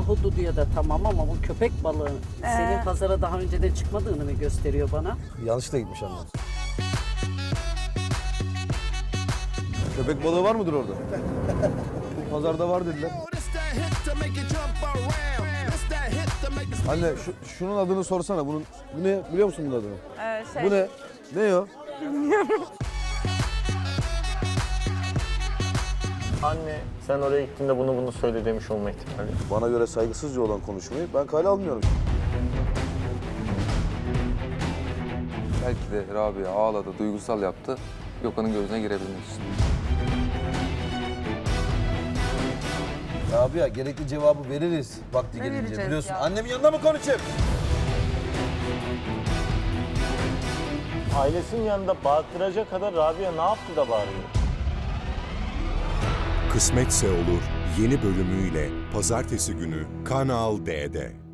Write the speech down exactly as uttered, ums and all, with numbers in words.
ahududuya da tamam ama bu köpek balığı Ee? senin pazara daha önceden çıkmadığını mı gösteriyor bana? Yanlışlıkla gitmiş annem. Köpek balığı var mıdır orada? Pazarda var dediler. Anne şu, şunun adını sorsana. Bunun bu ne biliyor musun bunun adını? Ee, şey, Bu ne? Ne o? Anne sen oraya gittiğinde bunu bunu söyle demiş olma ihtimali. Bana göre saygısızca olan konuşmayı ben kale almıyorum. Belki de Rabia ağladı, duygusal yaptı. Gökhan'ın gözüne girebilmek için. Abi ya gerekli cevabı veririz vakti Ne gelince vereceğiz biliyorsun. ya? Annemin yanında mı konuşayım? Ailesinin yanında bağırtıracak kadar Rabia ne yaptı da bağırıyor? Kısmetse Olur yeni bölümüyle pazartesi günü Kanal D'de.